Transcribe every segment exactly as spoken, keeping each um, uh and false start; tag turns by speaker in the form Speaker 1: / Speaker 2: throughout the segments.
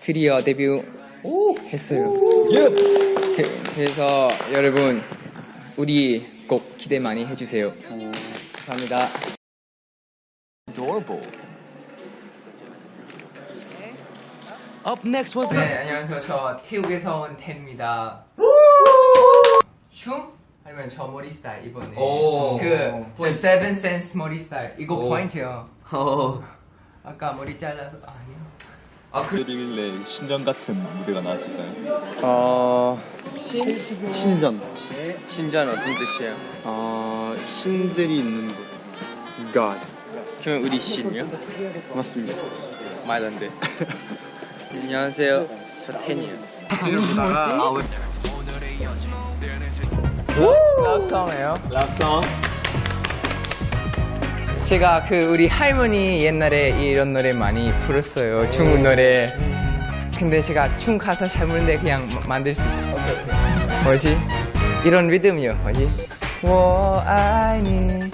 Speaker 1: 드디어 데뷔 했어요. 그, 그래서 여러분 우리 꼭 기대 많이 해주세요. 감사합니다.
Speaker 2: Adorable. Up next was
Speaker 1: 네, 안녕하세요. 저 태국에서 온 텐입니다. 춤? 아니면 저 머리 스타일 이번에
Speaker 2: 오.
Speaker 1: 그 The Seven Sense 머리 스타일 이거
Speaker 2: 오.
Speaker 1: 포인트요.
Speaker 2: 어.
Speaker 1: 아까 머리 잘라서 아니요.
Speaker 3: 아, 그들이길래 신전 같은 무대가 나왔을까요?
Speaker 4: 어...
Speaker 3: 신전.
Speaker 1: 신전 어떤 뜻이에요?
Speaker 4: 어... 신들이 있는 곳. God.
Speaker 1: 그러면 우리 신이요?
Speaker 4: 맞습니다.
Speaker 1: 말도 안 돼. 안녕하세요. 저 텐이에요.
Speaker 2: 아, 왜?
Speaker 1: 랍송이에요? 랍송. 제가 그 우리 할머니 옛날에 이런 노래 많이 불렀어요. 중국 노래. 근데 제가 춤 가사 잘 모르는데 그냥 마- 만들 수 있어. 뭐지? 이런 리듬이요. 뭐지? 我爱你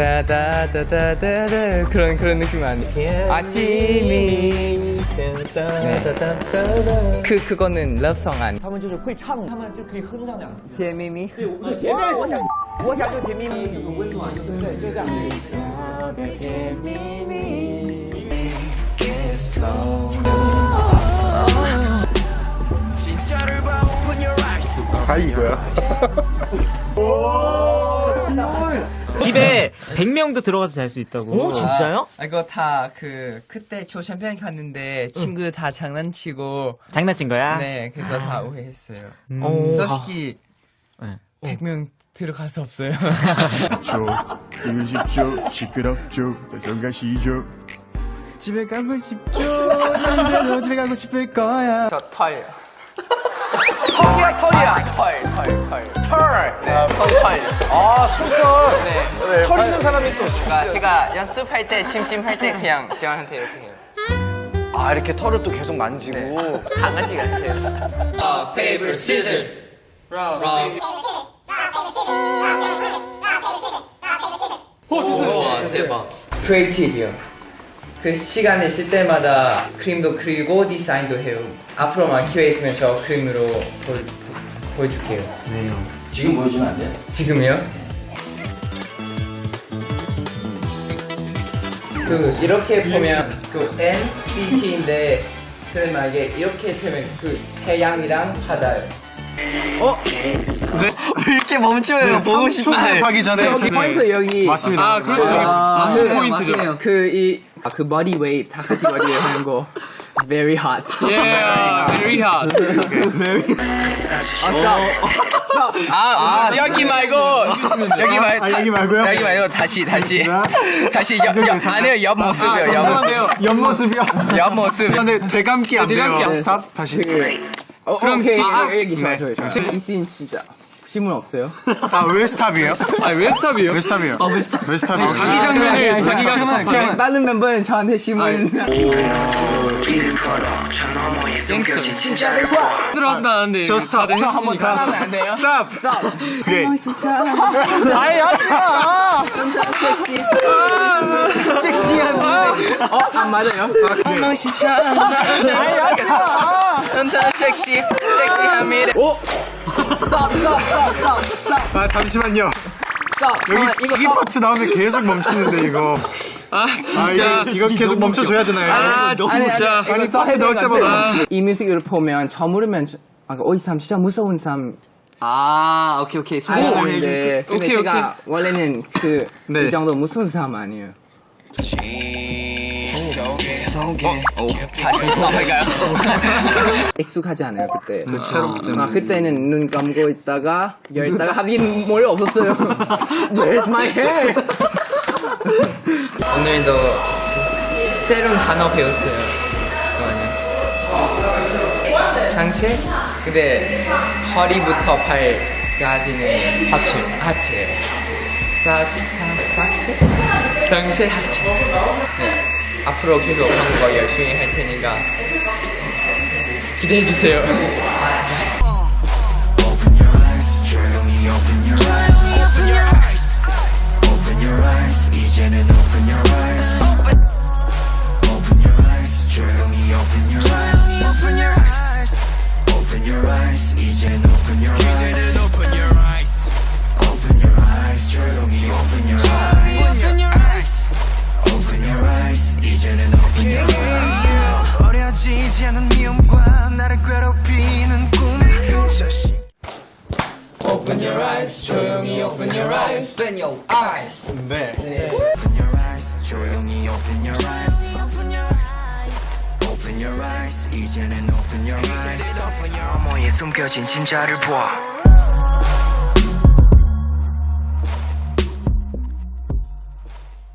Speaker 1: 따다다다다다 그런 그런 느낌 아니에요? 아침이 네. 그 그거는 러브송 아니.
Speaker 5: 他们就是会唱，他们就可以哼上两句。
Speaker 1: 甜蜜蜜
Speaker 5: 对，甜蜜，我想，我想就甜蜜蜜，这个温暖，对，就这样。我的甜蜜蜜。
Speaker 4: 다 이거야.
Speaker 6: 집에 백 명도 들어가서 잘 수 있다고.
Speaker 5: 오, 진짜요?
Speaker 1: 아, 이거 다 그 그때 저 샴페인 갔는데 친구 다 장난치고
Speaker 6: 장난친 거야?
Speaker 1: 네 그래서 다 오해했어요.
Speaker 6: 오.
Speaker 1: 솔직히
Speaker 6: 네.
Speaker 1: 백 명 들어갈 수 없어요.
Speaker 4: 죠, 이십죠, 시끄럽죠, 대성가시죠. 집에 가고 싶죠. 난데도 집에 가고 싶을 거야.
Speaker 1: 저 털. 털이야 털이야. 털, 털, 털. 털. 네, 손털. 아, 손털. 네.
Speaker 5: 털 있는 사람이 또.
Speaker 1: 제가, 제가 연습할 때, 심심할 때 그냥 지원한테 이렇게 해요.
Speaker 5: 아, 이렇게 털을 또 계속 만지고.
Speaker 1: 네. 강아지 같아요. Rock, paper, scissors. Rock, rock.
Speaker 2: 오, 됐어요. 대박.
Speaker 1: 크리에이티브요. 그 시간 있을 때마다 그림도 그리고 디자인도 해요. 앞으로만 기회 있으면 저 그림으로 보, 보, 보여줄게요.
Speaker 2: 네. 지금 보여주면 안 돼요?
Speaker 1: 지금이요? 그 이렇게 보면 그 엔시티인데 그 만약에 이렇게 되면 그 태양이랑 바다요.
Speaker 2: 왜 이렇게 멈춰요? 보고 싶어요.
Speaker 4: 하기 전에
Speaker 1: 여기 포인트 여기.
Speaker 4: 맞습니다.
Speaker 6: 아, 그렇죠.
Speaker 1: 아,
Speaker 6: 맞는
Speaker 1: 네,
Speaker 6: 포인트죠.
Speaker 1: 맞네요. 그 이 아, 그 머리 웨이브 다 같이 머리에 하는 거. Very hot.
Speaker 6: Yeah, very hot.
Speaker 1: 아, 아, 여기 말고 여기 말
Speaker 4: 아, 여기 말고요?
Speaker 1: 여기 말고 다시 다시 다시 옆, 옆 아니요 옆 모습이요 옆 모습
Speaker 4: 옆모습이요?
Speaker 1: 옆 모습.
Speaker 4: 근데 되감기 안 돼요.
Speaker 6: 되감기 안
Speaker 4: 스탑 다시.
Speaker 1: 어, 그럼 오케이 여기 좋아 좋아 좋아. 이씬 진짜 신문 없어요?
Speaker 4: 아, 왜 스탑이에요?
Speaker 6: 아, 왜 스탑이요?
Speaker 4: 왜 스탑이에요?
Speaker 6: 아, 왜 스탑?
Speaker 4: 왜 스탑이에요?
Speaker 6: 자기 장면을 자기가
Speaker 1: 그냥, 그냥 다른 멤버는 저한테 신문.
Speaker 6: 들어가서 나왔는데.
Speaker 4: 저 스탑. 저 한번
Speaker 1: 하면 안 돼요?
Speaker 4: 스탑. 오케이.
Speaker 1: 진짜
Speaker 6: 아예 하지마.
Speaker 1: 섹시 섹시한 노래. 어, 안 맞아요? 한명 진짜 한타 섹시 섹시한 미래. 오 스톱 스톱 스톱 스톱 스톱
Speaker 4: 아, 잠시만요.
Speaker 1: 스톱.
Speaker 4: 여기 자기 파트 나오면 계속 멈추는데 이거.
Speaker 6: 아,
Speaker 4: 아,
Speaker 6: 진짜.
Speaker 4: 이거, 이거 계속 멈춰줘야 되나요?
Speaker 6: 아, 진짜.
Speaker 4: 아니, 파트 넣을 때마다.
Speaker 1: 이 뮤직을 보면 저 모르면 저- 아, 어, 이 사람 진짜 무서운 사람
Speaker 2: 아, 오케이, 오케이. 소개 좀
Speaker 1: 아닌데
Speaker 2: 해주세요.
Speaker 1: 근데
Speaker 6: 오케이,
Speaker 1: 제가 원래는 그 이
Speaker 4: 네.
Speaker 1: 정도 무서운 사람 아니에요. 어, 어, 다시 스톱할까요? 익숙하지 않아요 그때. 아, 그때는 눈 감고 있다가 열다가 하긴 머리 없었어요. Where's my hair? 오늘도 새로운 단어 배웠어요. 잠깐만요. 상체? 근데 허리부터 발까지는 하체. 하체예요. 사, 사, 상체? 상체, 하체. 네. 앞으로 계속 한국어 열심히 할 테니까 기대해 주세요.
Speaker 7: Open your eyes, 조용히 open your eyes. Open your eyes. Open your eyes. 이제는 open your eyes. Open your eyes, 조용히 open your eyes. Open your
Speaker 1: open your eyes. 조용히 open your eyes.
Speaker 5: Open your eyes.
Speaker 4: 네.
Speaker 7: Open your eyes 조용히 open your eyes Open your eyes 이제는 open your eyes 어머에 숨겨진 진짜를 봐